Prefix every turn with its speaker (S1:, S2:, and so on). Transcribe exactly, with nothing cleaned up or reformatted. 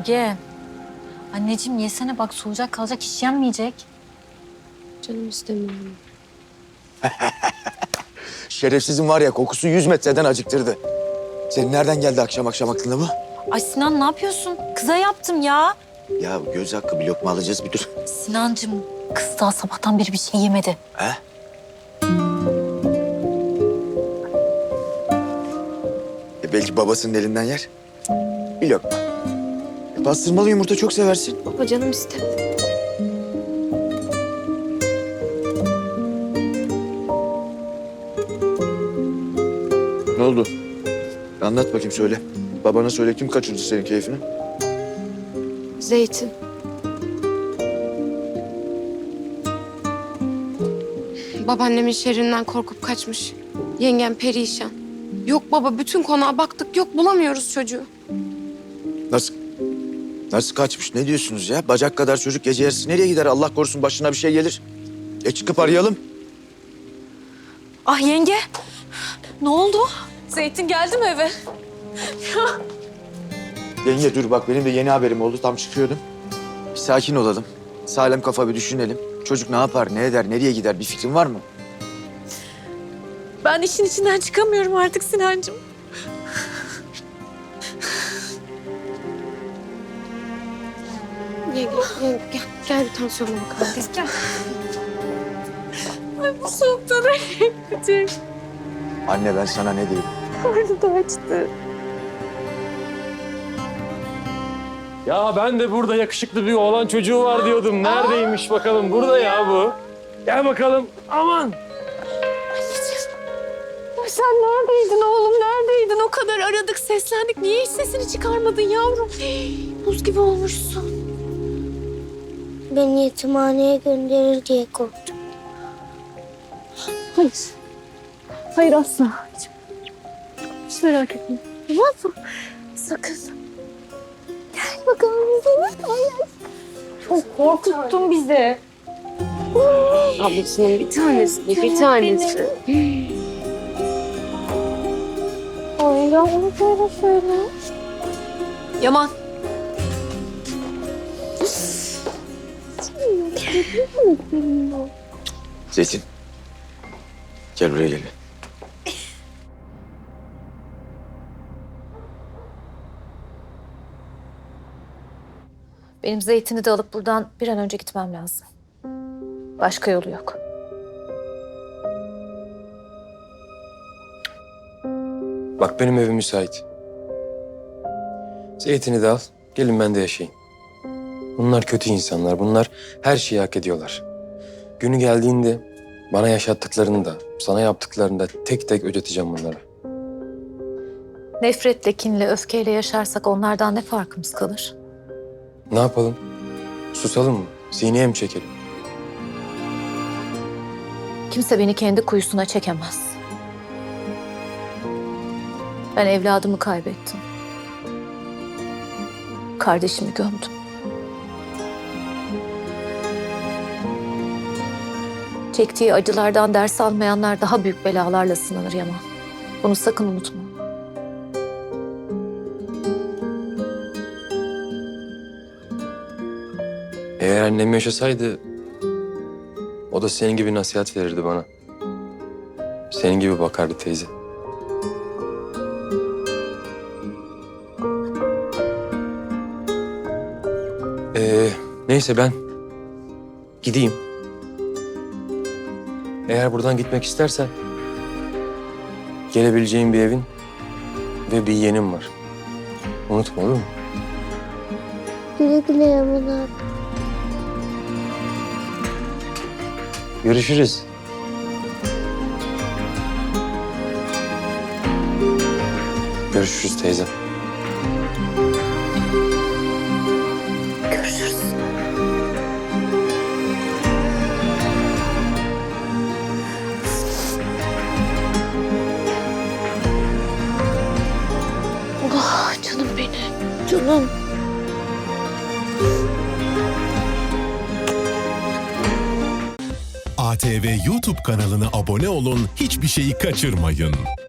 S1: Yenge. Anneciğim yesene bak soğuyacak kalacak hiç yenmeyecek.
S2: Canım istemiyorum.
S3: Şerefsizin var ya kokusu yüz metreden acıktırdı. Senin nereden geldi akşam akşam aklına bu?
S1: Ay Sinan ne yapıyorsun? Kıza yaptım ya.
S3: Ya göz hakkı bir lokma alacağız bir dur.
S1: Sinancığım kız daha sabahtan beri bir şey yemedi.
S3: He? E belki babasının elinden yer. Bir lokma. E pastırmalı yumurta çok seversin.
S2: Baba canım istemiyorum.
S3: Ne oldu? Anlat bakayım söyle. Babana söyle kim kaçırdı senin keyfini?
S2: Zeytin. Babaannemin şerrinden korkup kaçmış. Yengem perişan. Yok baba bütün konağa baktık yok bulamıyoruz çocuğu.
S3: Nasıl? Nasıl kaçmış? Ne diyorsunuz ya? Bacak kadar çocuk gece yarısı nereye gider? Allah korusun başına bir şey gelir. E çıkıp arayalım.
S1: Ah yenge. Ne oldu? Zeytin geldi mi eve?
S3: Yenge dur bak benim de yeni haberim oldu. Tam çıkıyordum. Bir sakin olalım. Sağlam kafa bir düşünelim. Çocuk ne yapar, ne eder, nereye gider bir fikrin var mı?
S1: Ben işin içinden çıkamıyorum artık Sinancığım.
S2: Yenge, yenge gel, gel bir tansiyonuna bakalım. Gel.
S1: Ay bu soğukta nereye gidecek?
S3: Anne ben sana ne diyeyim?
S1: Karnı da açtı.
S4: Ya ben de burada yakışıklı bir oğlan çocuğu var diyordum. Neredeymiş bakalım? Burada ya bu. Gel bakalım. Aman.
S1: Sen neredeydin oğlum neredeydin? O kadar aradık seslendik. Niye hiç sesini çıkarmadın yavrum? Buz gibi olmuşsun.
S5: Beni yetimhaneye gönderir diye korktum.
S1: Hayır. Hayır asla. Hiç, hiç merak etme. Tamam mı? Sakın. Gel bakalım bize. Hayır. Çok korkuttun bizi.
S2: Ablasının bir tanesi, bir tanesi.
S5: Ay ya onu böyle söyle.
S1: Yaman.
S3: Zeytin. Gel buraya gel.
S1: Benim Zeytin'i de alıp buradan bir an önce gitmem lazım. Başka yolu yok.
S4: Bak benim evim müsait. Zeytin'i de al. Gelin ben de yaşayayım. Bunlar kötü insanlar. Bunlar her şeyi hak ediyorlar. Günü geldiğinde bana yaşattıklarını da, sana yaptıklarını da tek tek ödeteceğim bunlara.
S1: Nefretle, kinle, öfkeyle yaşarsak onlardan ne farkımız kalır?
S4: Ne yapalım? Susalım mı? Sineye mi çekelim?
S1: Kimse beni kendi kuyusuna çekemez. Ben evladımı kaybettim. Kardeşimi gömdüm. Çektiği acılardan ders almayanlar daha büyük belalarla sınanır Yaman. Bunu sakın unutma.
S4: Eğer annem yaşasaydı o da senin gibi nasihat verirdi bana. Senin gibi bakardı teyze. Ee, neyse ben gideyim. Eğer buradan gitmek istersen gelebileceğin bir evin ve bir yeğenim var. Unutma olur mu?
S5: Güle güle Yaman abi.
S4: Görüşürüz. Görüşürüz teyze.
S1: Görüşürüz.
S2: Ah canım benim.
S5: Canım.
S6: A T V YouTube kanalına abone olun, hiçbir şeyi kaçırmayın.